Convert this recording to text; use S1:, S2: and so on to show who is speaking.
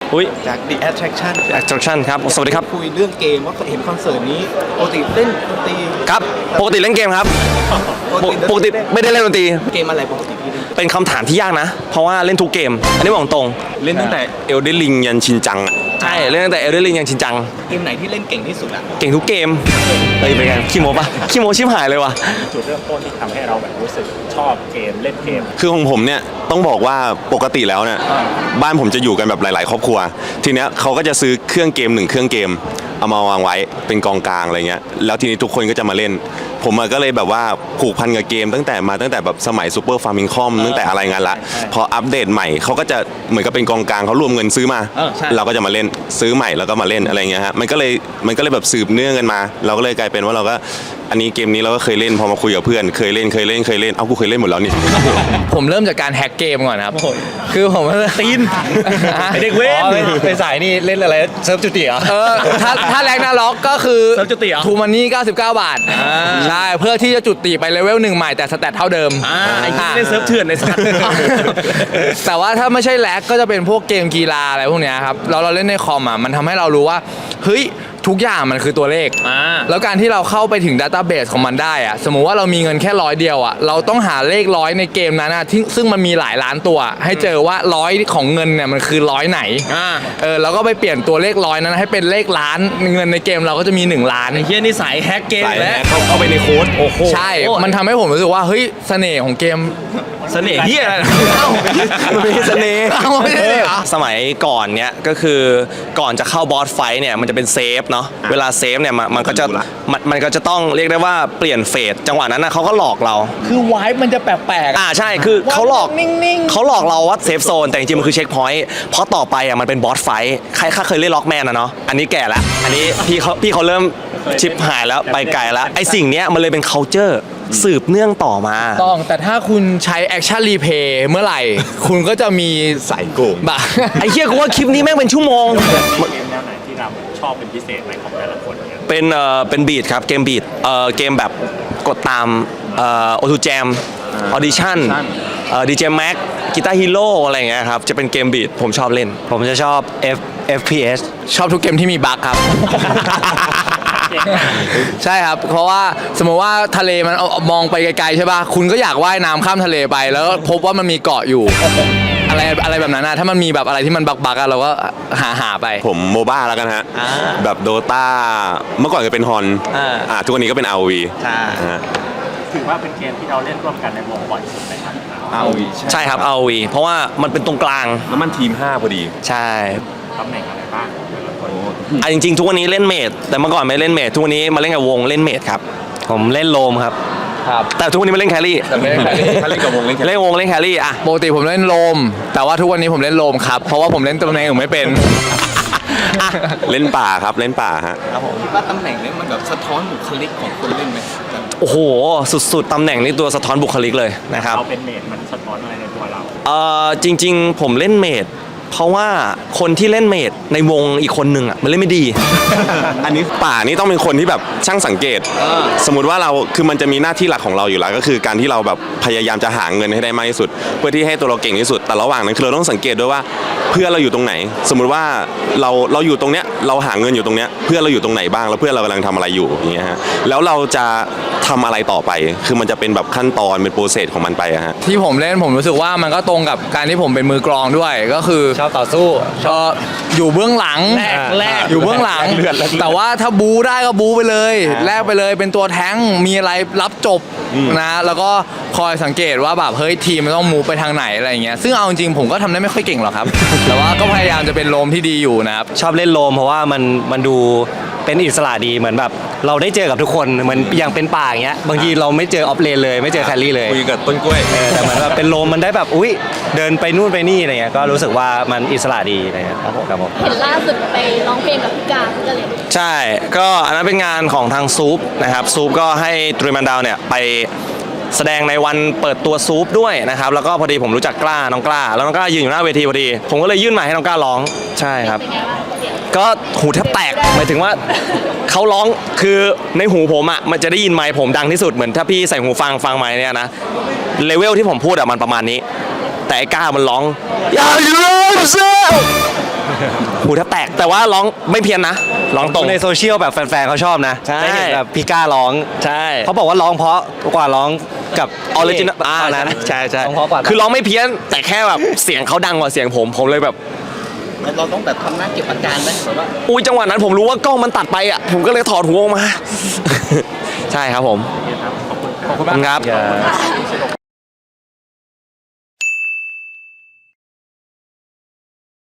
S1: อุ้ย
S2: จาก The Attraction
S1: ครับสวัสดีครับ
S2: คุยเรื่องเกมว่าเห็นคอนเสิร์ตนี้ปกติเล่นดนตรี
S1: ครับปกติเล่นเกมครับปกติไม่ได้เล่นดนตรี
S2: เกมอะไรปกติพี่เล่น
S1: เป็นคำถามที่ยากนะเพราะว่าเล่นทุกเกมอันนี้บอกตรง
S3: เล่นตั้งแต่เอลเดนริงยันชินจังอ่ะ
S1: ใช่เล่นตั้งแต่เอลเดนริงยันชินจัง
S2: เกมไหนที่เล่นเก่งที่สุดอะ
S1: เก่งทุกเกมเป็นไงขี้โม้ปะขี้โม้ชิบหายเลยว่ะ
S4: จุดเริ่มต้นที่ทำให้เราแบบรู้สึกชอบเกมเล่นเกม
S3: คือของผมเนี่ยต้องบอกว่าปกติแล้วเนี่ยบ้านผมจะอยู่กันแบบหลายๆครอบครัวทีเนี้ยเขาก็จะซื้อเครื่องเกม1เครื่องเกมเอามาวางไว้เป็นกองกลางอะไรเงี้ยแล้วทีนี้ทุกคนก็จะมาเล่นผมก็เลยแบบว่าผูกพันกับเกมตั้งแต่แบบสมัยซูเปอร์ฟาร์มิงคอมตั้งแต่อะไรงั้นละพออัปเดตใหม่เขาก็จะเหมือนกับเป็นกองกลางเขารวมเงินซื้อมาเราก็จะมาเล่นซื้อใหม่แล้วก็มาเล่นอะไรเงี้ยฮะมันก็เลยแบบสืบเนื่องกันมาเราก็เลยกลายเป็นว่าเราก็อันนี้เกมนี้เราก็เคยเล่นพอมาคุยกับเพื่อนเคยเล่นเอากูเคยเล่นหมดแล้วนี่
S5: ผมเริ่มจากการแฮกเกมก่อนครับคือผม
S1: ตีนเด็กเว้น
S5: ไปสายนี่เล่นอะไรเซิร์ฟจุติเหรอถ้าแรงน่าล็อกก็คือ
S1: เซิร์ฟจุติเหรอ
S5: ทูมันนี่99 บาทใช่เพื่อที่จะจุติไปเลเวล1ใหม่แต่สแตทเท่าเดิม
S1: ไอ้ที่เล่นเซิร์ฟเถื่อนในสัตว์
S5: แต่ว่าถ้าไม่ใช่แลกก็จะเป็นพวกเกมกีฬาอะไรพวกเนี้ยครับเราเล่นในคอมอ่ะมันทำให้เรารู้ว่าเฮ้ยทุกอย่างมันคือตัวเลขแล้วการที่เราเข้าไปถึงดัตต้าเบสของมันได้อะสมมุติว่าเรามีเงินแค่100เดียวอะเราต้องหาเลข100ในเกมนั้นนะซึ่งมันมีหลายล้านตัวให้เจอว่า100ของเงินเนี่ยมันคือ100ไหนเราก็ไปเปลี่ยนตัวเลข100นั้นให้เป็นเลขล้านเงินในเกมเราก็จะมี1ล้าน
S1: ไอ้เหี้ยนี่สายแฮกเกมแล้ว
S3: เข้าไปในโค้ด
S1: โอ้โห
S5: ใช่มันทำให้ผมรู้สึกว่าเฮ้ยเสน่ห์ของเกม
S1: เสน่ห์เหี้ยอะไร
S3: มันเป็นเสน่ห์
S5: ไม่ใช่เหรอ
S1: สมัยก่อนเนี้ยก็คือก่อนจะเข้าบอสไฟท์เนี่ยมันจะเป็นเซฟเนาะเวลาเซฟเนี่ยมันก็จะต้องเรียกได้ว่าเปลี่ยนเฟสจังหวะนั้นนะเขาก็หลอกเรา
S5: คือไวท์มันจะแปลก
S1: ๆใช่คือเขาหลอกเราว่าเซฟโซนแต่จริงๆมันคือเช็คพอยต์เพราะต่อไปอ่ะมันเป็นบอสไฟท์ใครเคยเล่นล็อกแมนนะเนาะอันนี้แก่ละอันนี้พี่เขาเริ่มชิปหายแล้วไปไกลแล้วไอ้สิ่งเนี้ยมันเลยเป็น culture สืบเนื่องต่อมา
S5: ต้องแต่ถ้าคุณใช้แอคชั่นรีเพย์เมื่อไหร่ คุณก็จะมี
S3: สายโกง
S1: ไอ้เหี้ยกูว่าคลิปนี้แม่งเป็นชั่วโมง
S4: เกมแนวไหนที่เราชอบเป็นพิเศษไหมของแต่ละคนเนี่ย
S1: เป็นบีทครับเกมบีทเกมแบบกดตามออทูแจมออดิชั่นดีเจแม็กกีตาร์ฮีโร่อะไรอย่างเงี้ยครับจะเป็นเกมบีทผมชอบเล่นผมจะชอบ FPS
S5: ชอบทุกเกมที่มีบั๊กครับ ใช่ครับเพราะว่าสมมติว่าทะเลมันมองไปไกลๆใช่ป่ะคุณก็อยากว่ายน้ำข้ามทะเลไปแล้วพบว่ามันมีเกาะอยู่ อะไรแบบนั้นนะถ้ามันมีแบบอะไรที่มันบักๆเราก็หาไป
S3: ผมโมบ้าแล้วกันฮะแบบโดตาเมื่อก่อนก็เป็นฮอนทุกวันนี้ก็เป็น ROV
S4: ถือว่าเป็นเกมที่เราเล่นร่วมกันในวงบ่อยสุดเลยครับ
S3: ROV
S1: ใช่ครับ ROV เพราะว่ามันเป็นตรงกลาง
S3: แล้วมันทีม5พอดี
S1: ใช่
S4: ตำแหน่งอะไรบ้าง
S1: จริงๆทุกวันนี้เล่นเมดแต่เมื่อก่อนไม่เล่นเมดทุกวันนี้มาเล่นกับวงเล่นเมดครับผมเล่นโลมครับแต่ทุกวันนี้มาเล่นแครี่
S5: แต่ไม่เล่นแครี่
S3: ถ้าเล่นกับวงเล่นแครี่
S1: เล่นแครี่อะ
S5: ปกติผมเล่นโลมแต่ว่าทุกวันนี้ผมเล่นโลมครับเพราะว่าผมเล่นตำแหน่งอื่นไม่เป็น
S3: เล่นป่าครับเล่นป่าฮะ
S2: คิดว่าตำแหน่งนี้มันแบบสะท้อนบุคลิกของคนเล่นไหม
S1: โอ้โหสุดๆตำแหน่งนี้ตัวสะท้อนบุคลิกเลยนะครับ
S4: เราเป็นเมดมันสะท้อนอะไรในตัวเรา
S1: จริงๆผมเล่นเมดเพราะว่าคนที่เล่นเมดในวงอีกคนหนึ่งอ่ะมันเล่นไม่ดี
S3: อันนี้ป่านี่ต้องเป็นคนที่แบบช่างสังเกตสมมุติว่าเราคือมันจะมีหน้าที่หลักของเราอยู่แล้วก็คือการที่เราแบบพยายามจะหาเงินให้ได้มากที่สุดเพื่อที่ให้ตัวเราเก่งที่สุดแต่ระหว่างนั้นคือเราต้องสังเกตด้วยว่าเพื่อนเราอยู่ตรงไหนสมมุติว่าเราอยู่ตรงเนี้ยเราหาเงินอยู่ตรงเนี้ยเพื่อนเราอยู่ตรงไหนบ้างแล้วเพื่อนเรากำลังทำอะไรอยู่อย่างเงี้ยฮะแล้วเราจะทำอะไรต่อไปคือมันจะเป็นแบบขั้นตอนเป็นโปรเซสของมันไปอะฮะ
S5: ที่ผมเล่นผมรู้สึกว่ามันก็ตรงกับการที่ผมเป็นมือกลองด้วยก็คือ
S1: ชอบต่อสู้
S5: อยู่เบื้องหลัง
S1: แรก
S5: อยู่เบื้องหลังแต่ว่าถ้าบูได้ก็บูไปเลยแลกไปเลยเป็นตัวแท้งมีอะไรรับจบนะแล้วก็คอยสังเกตว่าแบบเฮ้ยทีมมันต้องมูฟไปทางไหนอะไรอย่างเงี้ยซึ่งเอาจริงผมก็ทำได้ไม่ค่อยเก่งหรอกครับ แต่ว่าก็พยายามจะเป็นโลมที่ดีอยู่นะครับ
S1: ชอบเล่นโลมเพราะว่ามันดูเป็นอิสระดีเหมือนแบบเราได้เจอกับทุกคนเหมือนอย่างเป็นป่าอย่างเงี้ยบางทีเราไม่เจอออฟเลนเลยไม่เจอแครี่เลย
S3: คุยกับต้นกล้วย
S1: แต่เหมือนแบบเป็นโลมมันได้แบบอุ้ยเดินไปนู่นไปนี่อะไรเงี้ยก็รู้สึกว่ามันอิสระดีนะครับผม
S6: เห็นล่าสุดไปร้องเพลงกับพี่กาก็เลย
S1: ใช่ก็อันนั้นเป็นงานของทางซูปนะครับซูปก็ให้ตรีมันดาวเนี่ยไปแสดงในวันเปิดตัวซูปด้วยนะครับแล้วก็พอดีผมรู้จักกล้าน้องกล้าแล้วน้องกล้ายืนอยู่หน้าเวทีพอดีผมก็เลยยื่นไมค์ให้น้องกล้าร้องใช่ครับก็หูแทบแตกหมายถึงว่าเขาร้องคือในหูผมอ่ะมันจะได้ยินไมค์ผมดังที่สุดเหมือนถ้าพี่ใส่หูฟังไมค์เนี่ยนะเลเวลที่ผมพูดอ่ะมันประมาณนี้แต่ไอ้กล้ามันร้องอย่าลืมเซลหูแทบแตกแต่ว่าร้องไม่เพี้ยนนะร้องตรง
S7: ในโซเชียลแบบแฟนๆเขาชอบนะ
S1: ใช่
S7: ได้เห็นแบบพี่ก้าร้อง
S1: ใช่
S7: เขาบอกว่าร้องเพราะกว่าร้องกับ
S1: ออริจินอล
S7: ตอนนั้น
S1: ใช่ใช่
S7: ร้องเพราะกว่า
S1: คือร้องไม่เพี้ยนแต่แค่แบบเสียงเขาดังกว่าเสียงผมเลยแบบ
S2: เราต้องแบบทำหน้าเก็บอาการไหมแบบว่า
S1: อุ้ยจังหวะนั้นผมรู้ว่ากล้องมันตัดไปอ่ะผมก็เลยถอดหูออกมา ใช่ครับผม
S4: ขอบคุณ
S1: ขอบคุณครับ
S7: อย่า